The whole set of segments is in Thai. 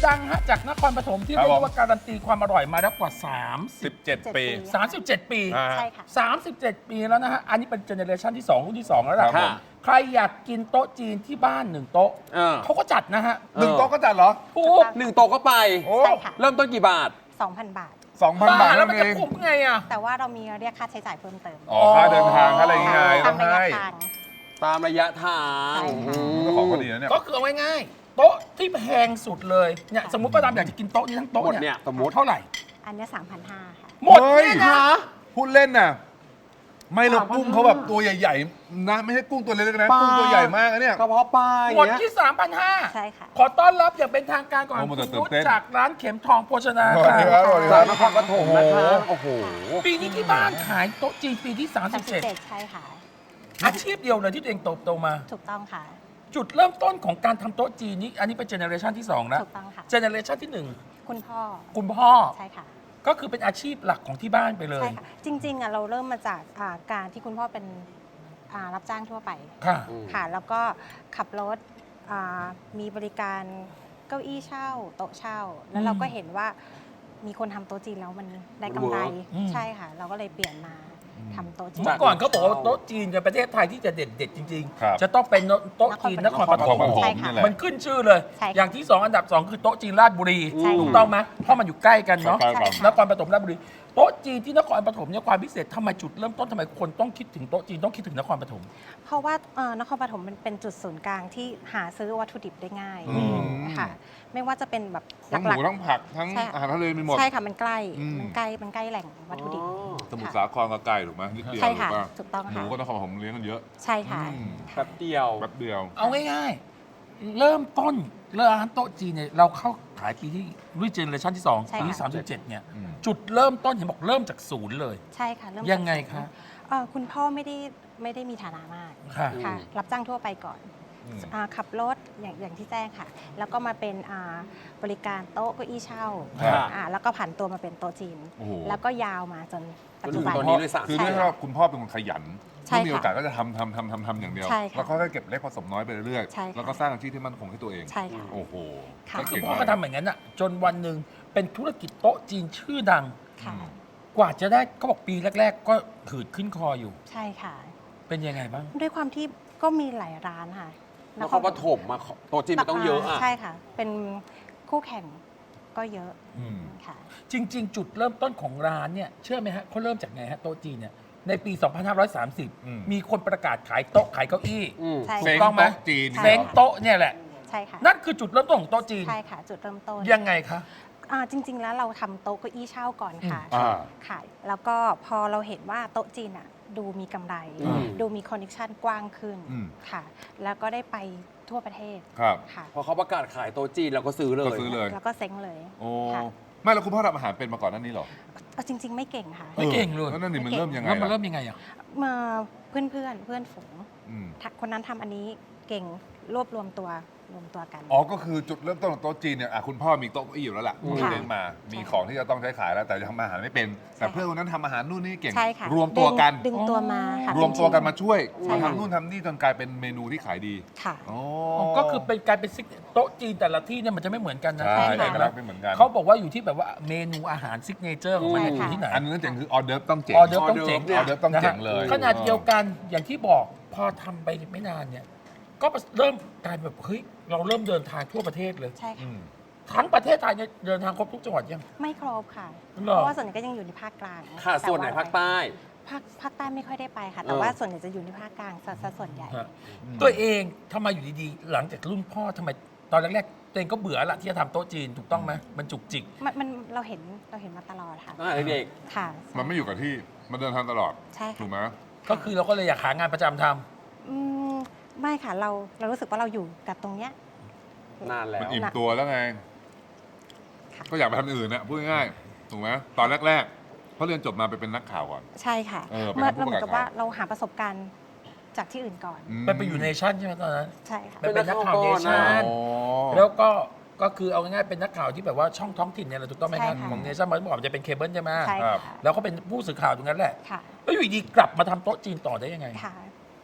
ดังฮะจากนครปฐมที่เรียกว่าการันตีความอร่อยมาแล้วกว่า 17 ปี 37 ปีใช่ค่ะ 37 ปีแล้วนะฮะ อันนี้เป็นเจเนอเรชันที่ 2 รุ่นที่ 2 แล้วล่ะครับผมใครอยากกินโต๊ะจีนที่บ้าน1 โต๊ะเขาก็จัดนะฮะ 1 โต๊ะก็จัดเหรอถูก 1 โต๊ะก็ไปโอ้ใช่ค่ะเริ่มต้นกี่บาท 2,000 บาท 2,000 บาทแล้นั่วน มันเอจะงคุ้มไงอ่ะแต่ว่าเรามีเรียกค่าใช้จ่ายเพิ่มเติมอ๋อค่าเดินทางค่าอะไรอย่างเงี้ยตาต้อมงระยะให้ทางตามระยะทางใช่ค่ะเจ้าของก็ดีนะเนี่ยก็คือเอาง่ายๆโต๊ะที่แพงสุดเลยเนี่ยสมมติป้าดำอยากจะกินโต๊ะนี้ทั้งโต๊ะหมดเนี่เนี่ย ยสมมติเท่าไหร่อันเนี้ย3,500 ค่ะหมดเนี่ยนะพูดเล่นน่ะ ไม่หรอกกุ้งเขาแบบตัวใหญ่ๆนะไม่ใช่กุ้งตัวเล็กๆนะปลากุ้งตัวใหญ่มากนะเนี่ยกระเพาะปลาอหมดย่างเงี้ยที่ 3,500 ใช่ค่ะขอต้อนรับอย่างเป็นทางการก่อนโอ้มันคุณตื่นรุ้เต้นจากร้านเข็มทองโภชนาสวัสดีครับการสวัสดีคจารักบนครปฐมนะคะโอ้โหปีนี้ที่บ้านขายโต๊ะจีนปีที่ 37 ใช่ค่ะ 37 อาชีพเดียวเลยที่ตัวเองโตมาถูกต้องค่ะจุดเริ่มต้นของการทำโต๊ะจีนนี้อันนี้เป็นเจเนอเรชันที่ 2 แล้วถูกต้องค่ะเจเนอเรชันที่คุณพ่อ 1 คุณพ่อใช่ค่ะก็คือเป็นอาชีพหลักของที่บ้านไปเลยใช่ค่ะ จริงๆอ่ะเราเริ่มมาจากการที่คุณพ่อเป็นรับจ้างทั่วไปค่ะค่ะ แล้วก็ขับรถมีบริการเก้าอี้เช่า โต๊ะเช่า แล้วเราก็เห็นว่ามีคนทำโต๊ะจีนแล้วมันได้กำไรอืมใช่ค่ะ เราก็เลยเปลี่ยนมาทำโต๊ะจีนเมื่อก่อนเขาบอกว่าโต๊ะจีนในประเทศไทยที่จะเด็ดๆจริงครับๆ จะต้องเป็นโต๊ะจีนนครปฐมใช่ค่ะนี่แหละมันขึ้นชื่อเลยใช่ค่ะอย่างที่ 2 อันดับ 2 คือโต๊ะจีนราชบุรีใช่ค่ะถูกต้องไหมเพราะมันอยู่ใกล้กันเนาะใช่ครับนครปฐมราชบุรีโต๊ะจีนที่นครปฐมเนี่ยความพิเศษทำไมจุดเริ่มต้นทำไมคนต้องคิดถึงโต๊ะจีนต้องคิดถึงนครปฐมเพราะว่านครปฐมมันเป็นจุดศูนย์กลางที่หาซื้อวัตถุดิบได้ง่ายอืมค่ะ ไม่ว่าจะเป็นแบบหทั้งหลัมูกทั้งผักทั้งใช่อาหารทะเลมีหมดๆใช่ค่ะมันใกล้อืมมันใกล้แหล่งวัตถุดิบสมุทรค่ะสาครก็ไกลถูกไหมนิดเดียวใช่ค่ะถูกป่ถูกต้องหมูค่ะก็นครปฐมเลี้ยงกันเยอะใช่ค่ะอืมแป๊บเดียวแป๊บเดียวเอาง่ายๆ เริ่มต้นร้านโต๊ะจีนเนี่ยเราเข้าขายปีที่รุ่นเจเนอเรชันที่ 2 ใช่ปีค่ะที่37เนี่ยอืมจุดเริ่มต้นเห็นบอกเริ่มจากศูนย์เลยใช่ค่ะเริ่มยังไงจากคะคุณพ่อไม่ได้มีฐานะมากค่ะค่ะ รับจ้างทั่วไปก่อนอืมขับรถอย่างที่แจ้งค่ะ แล้วก็มาเป็นบริการโต๊ะเก้าอี้เช่าครับแล้วก็ผันตัวมาเป็นโต๊ะจีนโอ้โหแล้วก็ยาวมาจนปัจจุบันจนถึงตอนนี้ด้วยซ้ำคือใช่ด้วยค่ะว่าคุณพ่อเป็นคนขยันใช่ถ้ามีค่ะโอกาสก็จะทำอย่างเดียวใช่ค่ะแล้วก็ค่อยๆเก็บเล็กผสมน้อยไปเรื่อยใช่ค่ะแล้วก็สร้างอาชีพที่มั่นคงให้ตัวเองใช่ค่ะโอ้โหค่ะก็คือเงพ่อมากก็ทำอย่างนั้นอ่ะจนวันหนึ่งเป็นธุรกิจโต๊ะจีนชื่อดังค่ะกว่าจะได้เขาบอกปีแรก ๆ ก็ถืดขึ้นคออยู่ใช่ค่ะเป็นยังไงบ้างด้วยความที่ก็มีหลายร้านค่ะนครปฐมมาโต๊ะจีนมันต้องเยอะอ่ะใช่ค่ะ เป็นคู่แข่งก็เยอะอืมค่ะจริง ๆ จุดเริ่มต้นของร้านเนี่ยเชื่อไหมฮะเขาเริ่มจากไงฮะโต๊ะจีนเนี่ยในปีอืม 2530 มีคนประกาศขายโต๊ะขายเก้าอี้อืมใช่ถูเซ้กงต้องไหมโต๊ะจีนใช่เซ้งโต๊ะเนี่ยแหละใช่ค่ะนั่นคือจุดเริ่มต้นของโต๊ะจีนใช่ค่ะ จุดเริ่มต้นยังไงคะจริง ๆ แล้วเราทำโต๊ะเก้าอี้เช่าก่อนค่ะอ่าค่ะ แล้วก็พอเราเห็นว่าโต๊ะจีนอ่ะดูมีกำไรอืมดูมีคอนเนคชั่นกว้างขึ้นอืมค่ะ แล้วก็ได้ไปทั่วประเทศครับค่ะพอเขาประกาศขายโต๊ะจีนเราก็ซื้อเลก็ยซื้อเลยแล้วก็เซ้งเลยโอ้ค่ะไม่แล้วคุณพ่อทำอาหารเป็นมาก่อนหนั้นนี้หรอเอาจริง ๆ ไม่เก่งค่ะไม่เก่งเลยแล้วนั่นนี่มันเริ่มยังไงแล้วมันล่ะเริ่มยังไงอ่ะมาเพื่อนฝูงอืมคนนั้นทำอันนี้เก่งรวบรวมตัวกันอ๋อ ก็คือจุดเริ่มต้นของโต๊ะจีนเนี่ยคุณพ่อมีโต๊ะเก้าอี้อยู่แล้วล่ะอืมที่เลี้ยงมา มีของที่จะต้องใช้ขายแล้ว แต่ทำอาหารไม่เป็น แต่ใช่ค่ะเพื่อนคนนั้นทำอาหารนู่นนี่เก่งใช่ค่ะรวมตัวกันดึงตัวมาค่ะรวมตัวกันมาช่วยใช่มาค่ะทำนู่นทำนี่จนกลายเป็นเมนูที่ขายดีค่ะอ๋อก็คือเป็นการเป็นซิกโต๊ะจีนแต่ละที่เนี่ยมันจะไม่เหมือนกันนะใช่ใช่ค่ะเอกลักษณ์ไม่เหมือนกันเขาบอกว่าอยู่ที่แบบว่าเมนูอาหารซิกเนเจอร์ของมันเนี่ยอยู่ที่ไหนอันนึงเจ๋งคือออเดิร์ฟต้องเจ๋งออเดอร์ฟต้องเจ๋งออเดิร์ฟต้องเจ๋งเลยขนาดเดียวกันอย่างที่บอกพอทำไปไม่นานเนี่ย ก็เริ่มกลายแบบเฮ้ยเราเริ่มเดินทางทั่วประเทศเลยใช่อืค่ะมทั้งประเทศไทยเนี่ยเดินทางครบทุกจังหวัดยังไม่ครบค่ะหรอเพราะว่าส่วนใหญ่ก็ยังอยู่ในภาคกลางค่ะแต่ส่วนไหนภาคใต้ภาคใต้ไม่ค่อยได้ไปค่ะ แต่ว่าส่วนใหญ่จะอยู่ในภาคกลางซะส่วนใหญ่ฮะตัวเองทำไมอยู่ดีๆ หลังจากรุ่นพ่อทำไมตอนแรกๆตัวเองก็เบื่อละที่จะทำโต๊ะจีนถูกต้องไหมมันจุกจิกมันเราเห็นมาตลอดค่ะตั้งแต่เด็กค่ะมันไม่อยู่กับที่ มันเดินทางตลอดใช่ถูค่ะกไหมก็คือเราก็เลยอยากหางานประจำทำอืมไม่ค่ะเรารู้สึกว่าเราอยู่กับตรงเนี้ยนานแล้มันวอิ่มตัวแล้วไงค่ะก็อยากไปทำอื่นนะพูดง่ายๆถูกไหมตอนแรกๆเพราะเรียนจบมาไปเป็นนักข่าวก่อนใช่ค่ะเป็นเมื่อผู้เราเหมือนกับประกาศว่าเราหาประสบการณ์จากที่อื่นก่อนไปอยู่ในชั่นใช่ไหมตอนนั้นใช่ค่ะไปเป็นนักข่าวเนเป็นนักข่าวก่อนชั่นะนอ๋อแล้วก็คือเอาง่ายๆเป็นนักข่าวที่แบบว่าช่องท้องถิ่นเนี่ยแหละถูกต้องไหมครับใช่ค่ะของเนชั่นเมื่อก่อนจะเป็นเคเบิลใช่ไหมใช่ครัค่ะบแล้วก็เป็นผู้สื่อข่าวตรงนั้นแหละค่ะแล้วอยู่ดีกลับมาทำโต๊ะจีนต่อได้ยังไงค่ะ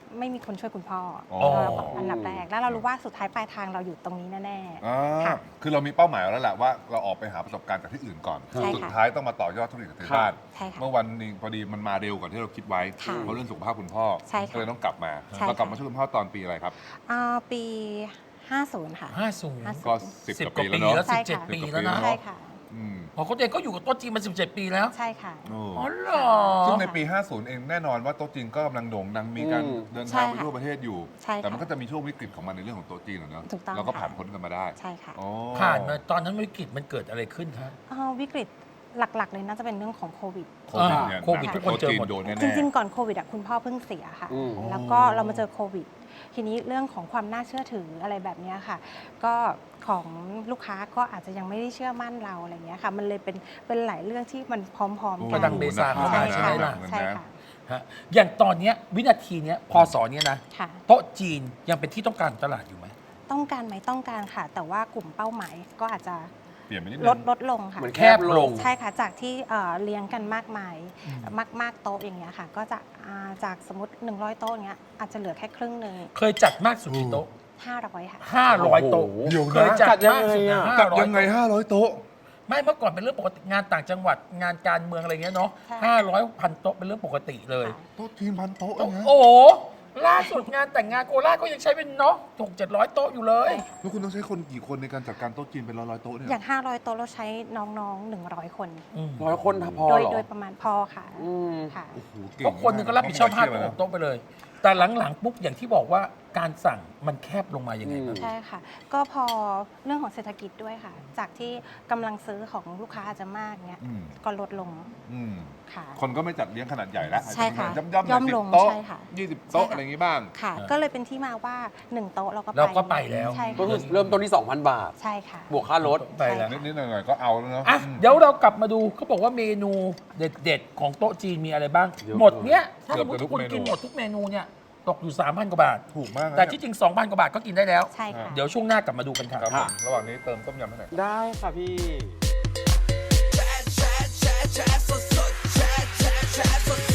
ไม่มีคนช่วยคุณพ่ออ๋อเราบอกอันดับแรกแล้วเรารู้ว่าสุดท้ายปลายทางเราอยู่ตรงนี้แน่อ่าค่ะคือเรามีเป้าหมายแล้วแหละว่าเราออกไปหาประสบการณ์จากที่อื่นก่อนใช่ค่ะสุดท้ายต้องมาต่อยอดธุรกิจกับที่บ้านใช่ค่ะเมื่อวันหนึงพอดีมันมาเร็วกว่าที่เราคิดไว้ค่ะเพราะเรื่องสุขภาพคุณพ่อใช่ค่ะก็เลยต้องกลับมาใช่ค่ะเรากลับมาช่วยคุณพ่อตอนปีอะไรครับปี 50 ค่ะ 50 ก็ 10 10 กกว่าว่าปีปีแล้วแล้วเนาะใช่ 17 ค่ะปีแล้วนะใช่ค่ะอืมพอเขาเองก็อยู่กับโต๊ะจีนมา 17 ปีแล้วใช่ค่ะโอ้อ๋อเหรอซึ่งในปี 50 เองแน่นอนว่าโต๊ะจีนก็กำลังโด่งดังมีการอืมเดินใช่ทางไปค่ะทั่วประเทศอยู่ใช่ค่ะแต่มันก็จะมีช่วงวิกฤตของมันในเรื่องของโต๊ะจีนอะเนาะถูกต้องเราก็ค่ะผ่านพ้นกันมาได้ใช่ค่ะอ๋อผ่านมาตอนนั้นวิกฤตมันเกิดอะไรขึ้นคะวิกฤตหลักๆเลยน่าจะเป็นเรื่องของโควิดโควิดเนี่ยโควิดทุกคนเจอหมดโต๊ะจีโดนแน่ๆจริงๆ ก่อนโควิดคุณพ่อเพิ่งเสียค่ะอืมแล้วก็เรามาเจอโควิด ทีนี้เรื่องของความน่าเชื่อถืออะไรแบบเนี้ยค่ะ ก็ของลูกค้าก็อาจจะยังไม่ได้เชื่อมั่นเราอะไรเงี้ยค่ะ มันเลยเป็นหลายเรื่องที่มันพร้อมๆปกัระดังเบซาเข้ามาใช่ใช่ไหมค่ะล่ะใช่ค่ะฮะอย่างตอนเนี้ยวินาทีเนี้ยพศเนี้ยนะค่ะโต๊ะจีนยังเป็นที่ต้องการของตลาดอยู่ไหมต้องการไหมต้องการค่ะ แต่ว่ากลุ่มเป้าหมายก็อาจจะเปลี่ยนไปนิดนึงลดลงค่ะเหมือนแคบลงใช่ค่ะ จากที่เลี้ยงกันมากมายมากโต๊ะอย่างเงี้ยค่ะ ก็จะจากสมมติ 100 โต๊ะอย่างเงี้ยอาจจะเหลือแค่ครึ่งหนึ่งเคยจัดมากสุดกี่โต๊ะ 500 ค่ะ 500 โต๊ะเดี๋ยวนะเคยจัดมากสุดนะจัดยัง 500 ไง 500 โต๊ะไม่เมื่อก่อนเป็นเรื่องปกติงานต่างจังหวัดงานการเมืองอะไรเงี้ยเนาะใช่ 500 พันโต๊ะเป็นเรื่องปกติเลยค่ะโต๊ะจีนพันโต๊ะโอ้นะโหล่าสุดงานแต่งงานโคราชก็ยังใช้เป็นเนาะ600-700 โต๊ะอยู่เลยแล้วคุณต้องใช้คนกี่คนในการจัดการโต๊ะจีนเป็นร้อยๆโต๊ะเนี่ยอย่าง 500 โต๊ะเราใช้น้องๆ 100 คน 100 คนพอโดยเหรอโดยประมาณพอค่ะอืมค่ะโอ้โหเก่งก็คนหนึงก็รับผิดชอบมาก 5 นะโต๊ะไปเลย แต่หลังๆปุ๊บอย่างที่บอกว่าการสั่งมันแคบลงมายังไงบ้างใช่ค่ะ ก็พอเรื่องของเศรษฐกิจด้วยค่ะ จากที่กำลังซื้อของลูกค้าอาจจะมากเนี้ยอืมก็ลดลงอืมค่ะคนก็ไม่จัดเลี้ยงขนาดใหญ่แล้วใช่ค่ะย่อมๆย่อม 10 ลงโต๊ะใช่ค่ะ 20 โต๊ะใช่ค่ะอะไรอย่างงี้บ้างค่ะ ก็เลยเป็นที่มาว่า 1 โต๊ะเราก็เราก็ไปแล้วใช่ก็ค่ะคือเริ่มต้นที่ 2,000 บาทใช่ค่ะบวกค่ารถไปแล้วนิดๆหน่อยๆก็เอาแล้วเนาะอ่ะอืมเดี๋ยวเรากลับมาดูเขาบอกว่าเมนูเด็ดๆ ของโต๊ะจีนมีอะไรบ้างเยอะหมดเนี้ยถ้าเกืสอบมมติจะทุทุกกคนเมนูกินหมดทุกเมนูเนี่ยตกอยู่ 3,000 กว่าบาทถูกมากนะแต่ที่จริง 2,000 กว่าบาทก็กินได้แล้วใช่ค่ะเดี๋ยวช่วงหน้ากลับมาดูกันค่ะครับผมระหว่างนี้เติมต้มยำให้หน่อยได้ค่ะพี่แชร์สด